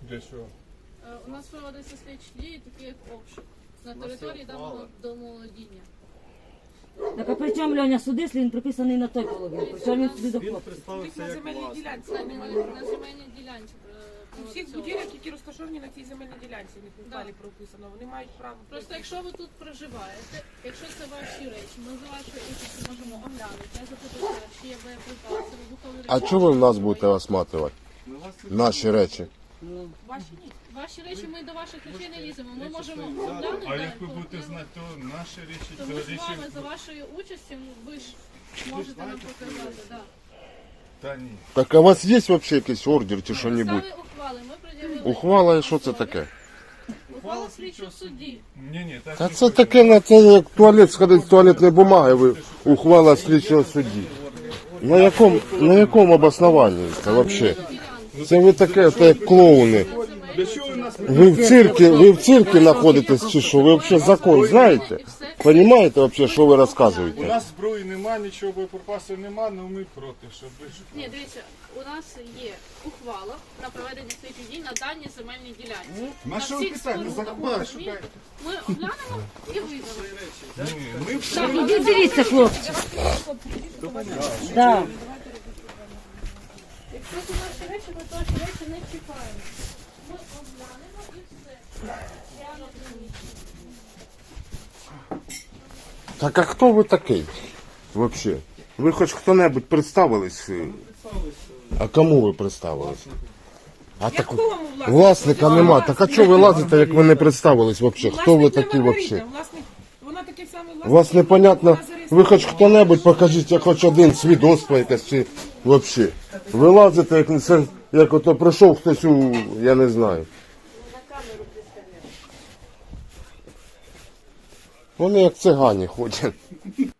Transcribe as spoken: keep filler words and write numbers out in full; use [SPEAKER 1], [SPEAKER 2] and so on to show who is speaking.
[SPEAKER 1] Для чого?
[SPEAKER 2] Е, У нас проводиться слідчі дії, такі як обшук на території даного домоволодіння.
[SPEAKER 3] Так а при чому, Льоня, суди, якщо він приписаний на той половині? При чому він сюди
[SPEAKER 4] Він
[SPEAKER 3] доходить?
[SPEAKER 4] представився
[SPEAKER 5] На
[SPEAKER 4] як
[SPEAKER 5] земельній
[SPEAKER 4] власник.
[SPEAKER 5] ділянці.
[SPEAKER 2] На, на, на земельній ділянці. е,
[SPEAKER 5] У всіх
[SPEAKER 2] проводиться
[SPEAKER 5] будівлях, які розташовані на цій земельній ділянці, у них в
[SPEAKER 2] Да.
[SPEAKER 5] ухвалі прописано, вони мають право.
[SPEAKER 2] Просто якщо ви тут проживаєте, якщо це ваші речі, ми за вашою участю можемо оглянути, запитати, чи є боєприпаси, вибухові речі.
[SPEAKER 6] А чого ви в нас будете осматривати?
[SPEAKER 4] Ми вас
[SPEAKER 6] Наші речі.
[SPEAKER 5] Ваші ні.
[SPEAKER 2] Ваші речі ми до ваших речей не ліземо. Ми
[SPEAKER 4] Речі
[SPEAKER 2] можемо
[SPEAKER 4] свої взяти.
[SPEAKER 2] оглянути.
[SPEAKER 1] А як ви
[SPEAKER 2] то-
[SPEAKER 1] будете
[SPEAKER 2] то-
[SPEAKER 1] знати, то наші речі,
[SPEAKER 2] то
[SPEAKER 1] то
[SPEAKER 2] ми з
[SPEAKER 1] речі...
[SPEAKER 2] вами за вашою участю, ви ж можете нам показати. Да.
[SPEAKER 1] Та ні.
[SPEAKER 6] Так а у вас є взагалі якийсь ордер чи що-небудь?
[SPEAKER 2] Підстави ухвали, ми пред'явили.
[SPEAKER 6] Ухвала і що це таке?
[SPEAKER 2] Ухвала слідчого судді.
[SPEAKER 1] Ні, ні, так
[SPEAKER 6] Та
[SPEAKER 1] не
[SPEAKER 6] це
[SPEAKER 1] буде.
[SPEAKER 6] таке, на це як туалет сходить з туалетної бумаги, ви ухвала слідчого судді. На якому, на якому обоснованні це взагалі? Це ви таке, це як клоуни.
[SPEAKER 4] Для чого ви нас
[SPEAKER 6] Ви в циркі, ви в циркі знаходитесь чи що? Ви взагалі закон знаєте? Понимаєте взагалі, що ви
[SPEAKER 1] У
[SPEAKER 6] розказуєте?
[SPEAKER 1] нас зброї нема, нічого боєприпасів нема, але ми проти, щоб ви ж...
[SPEAKER 2] Ні, дивіться, у нас є ухвала на проведення слідчих дій на даній земельній ділянці.
[SPEAKER 4] На що ви
[SPEAKER 2] всіх
[SPEAKER 4] питаєте?
[SPEAKER 2] спорудах,
[SPEAKER 4] Закон
[SPEAKER 2] розумієте? Ми оглянемо і вийдемо.
[SPEAKER 1] Ні, ми
[SPEAKER 3] Так, ідіть дивіться, хлопці. Да.
[SPEAKER 2] Якщо це наші речі, ми то наші речі не чіпаємо. Ми оглянемо і все. Я не розумію.
[SPEAKER 6] Так а хто ви такий? Взагалі? Ви хоч хто-небудь представились? А кому ви представились? А так
[SPEAKER 5] Якому власнику?
[SPEAKER 6] власника нема. Так а чого ви лазите, як ви не представились взагалі? Хто ви
[SPEAKER 5] Власник
[SPEAKER 6] такі
[SPEAKER 5] не Маргарита,
[SPEAKER 6] взагалі?
[SPEAKER 5] власник, вона такий самий власник.
[SPEAKER 6] У вас непонятно,
[SPEAKER 5] вона зареєстрована.
[SPEAKER 6] ви хоч хто-небудь покажіть, хоч один свідоцтво якесь чи взагалі. Ви лазите, як, це, як ото прийшов хтось у, я не знаю. Вони як цигані ходять.